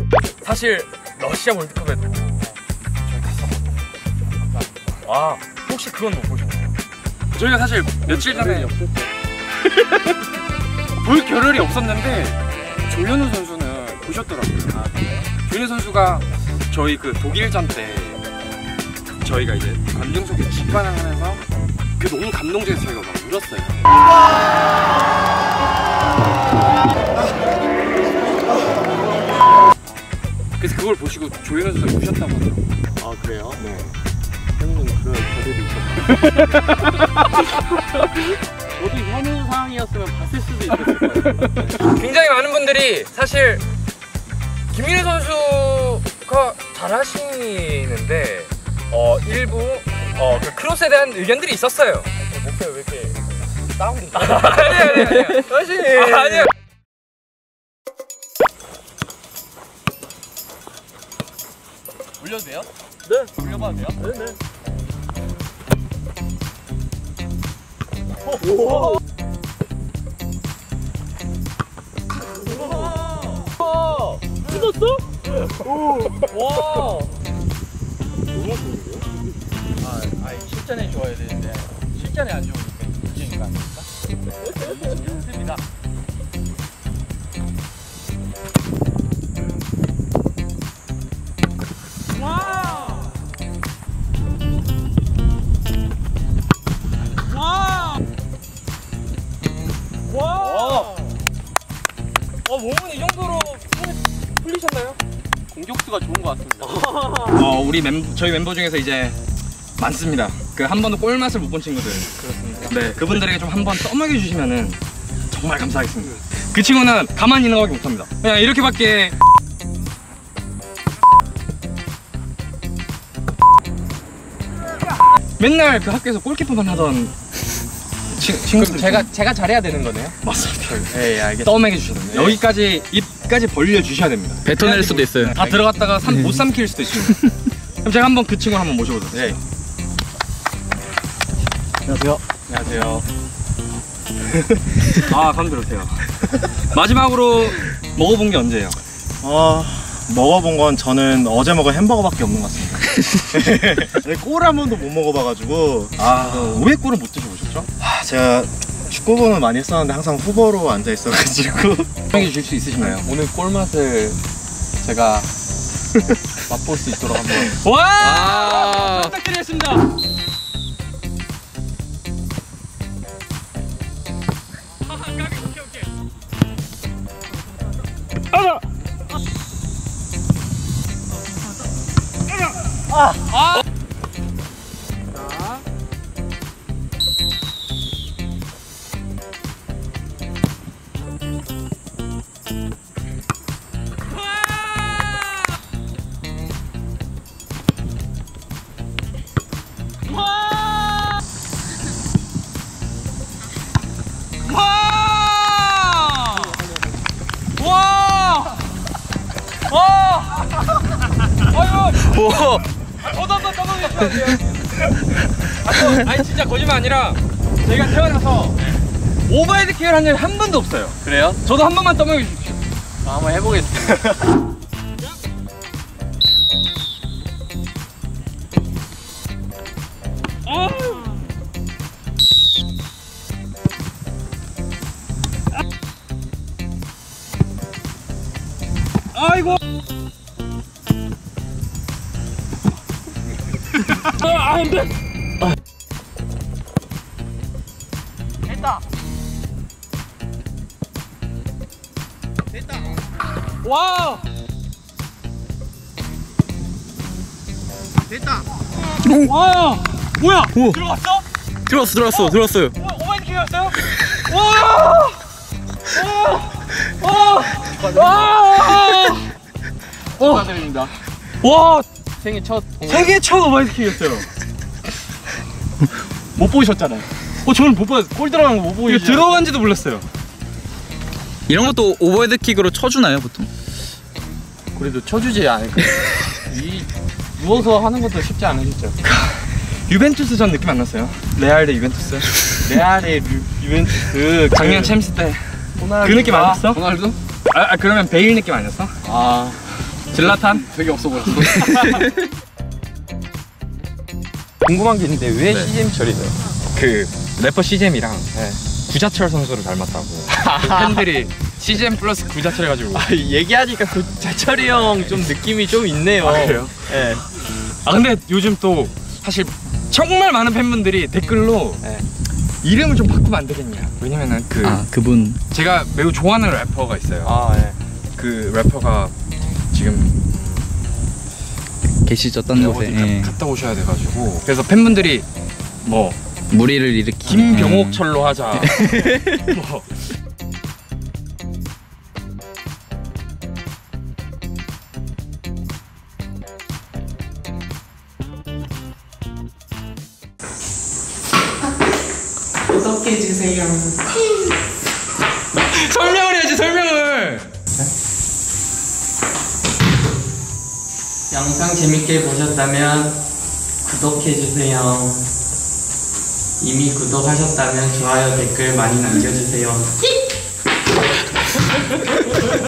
사실 러시아 월드컵에도 저희 갔었거든요. 아, 혹시 그건 못 보셨나요? 저희가 사실 며칠 전에 볼 겨를이 없었는데 조현우 선수는 보셨더라고요. 아, 조현우 선수가 저희 그 독일전 때 저희가 이제 관중석에 직관을 하면서 그 너무 감동적이어서 저희가 막 울었어요. 그래서 그걸 보시고 조현우 선수가 우셨다고 하더라고요. 아 그래요? 네. 형님은 그런 결의도 있었나요? 저도 현우 상황이었으면 봤을 수도 있었을 거예요. 굉장히 많은 분들이 사실 김민우 선수가 잘하시는데 일부 그 크로스에 대한 의견들이 있었어요. 목소리 왜 이렇게 다운돼? 아니요. 사실 아니요. 올려도 돼요? 네. 올려봐도 돼요? 네네. 오! 와! 뜯었어? 오! 와! 너무 좋은데요? 실전에 좋아야 되는데 실전에 안 좋으니까 문제인 거 아닙니까? 좋습니다. 몸은 이 정도로 풀리셨나요? 공격수가 좋은 것 같습니다. 우리 저희 멤버 중에서 이제 많습니다. 그 한 번도 골 맛을 못 본 친구들. 그렇습니다. 네, 그분들에게 좀 한 번 떠먹여 주시면은 정말 감사하겠습니다. 그 친구는 가만히 있는 거밖에 못합니다. 그냥 이렇게밖에. 맨날 그 학교에서 골키퍼만 하던 친구들. 제가 잘해야 되는 거네요? 맞습니다. 네, 알겠습니다. 떠먹여 주셔야 됩니다. 여기까지 입까지 벌려 주셔야 됩니다. 뱉어낼 수도 있어요. 다 들어갔다가 못 삼킬 수도 있습니다. 그럼 제가 한번 그 친구를 한번 모셔보도록 하겠습니다. 안녕하세요. 안녕하세요. 아, 감기 들으세요. 마지막으로 먹어본 게 언제예요? 먹어본 건 저는 어제 먹은 햄버거밖에 없는 것 같습니다. 꿀 한 번도 못 먹어봐가지고. 왜 꿀을 못 드셔보셨죠? 제가 축구부는 많이 했었는데 항상 후보로 앉아 있어가지고. 설명해 주실 수 있으신가요? 오늘 꿀맛을 제가 맛볼 수 있도록 한번. 와! 부탁드리겠습니다. 저도 한번 떠먹여주세요. 아니 진짜 거짓말 아니라 제가 태어나서 오버헤드 킥을 한 적이 한 번도 없어요. 그래요? 저도 한 번만 떠먹여 주십시오. 한번 해보겠습니다. 아이고. 안 돼. 됐다. 됐다. 와. 됐다. 와. 뭐야? 오. 들어갔어? 들어왔어요. 오버헤드 킥이었어요? 와. 축하드립니다. 와. 생애 첫 세계 첫 오버헤드 킥이었어요. 못 보셨잖아요. 저는 못 봤어요. 골 들어간 거 못 보고 들어간지도 몰랐어요. 이런 것도 오버헤드 킥으로 쳐주나요 보통? 그래도 쳐주지 않을까. 이 누워서 하는 것도 쉽지 않으셨죠? 유벤투스 전 느낌 안 났어요? 레알 대 유벤투스. 레알 대 유벤투스 작년 챔스 때 그 느낌 안 났어? 호날두? 그러면 베일 느낌 아니었어? 질라탄? 되게 없어 보였어. 궁금한 게 있는데 왜 네. CGM 처리돼요? 그 래퍼 CGM이랑 구자철 선수를 닮았다고 그 팬들이 CGM 플러스 구자철 해가지고 얘기하니까 그 자철이 형 좀 느낌이 좀 있네요. 아, 그래요? 예. 아 근데 요즘 또 사실 정말 많은 팬분들이 댓글로 이름을 좀 바꾸면 안 되겠냐. 왜냐면은 그 그분. 제가 매우 좋아하는 래퍼가 있어요. 예. 그 래퍼가 지금 계시죠, 딴 곳에. 어디 예. 갔다 오셔야 돼가지고 그래서 팬분들이 뭐 무리를 일으키. 김병옥철로 하자. 뭐 구독해주세요. 설명을 해야지 설명을. 영상 재밌게 보셨다면 구독해주세요. 이미 구독하셨다면 좋아요, 댓글 많이 남겨주세요.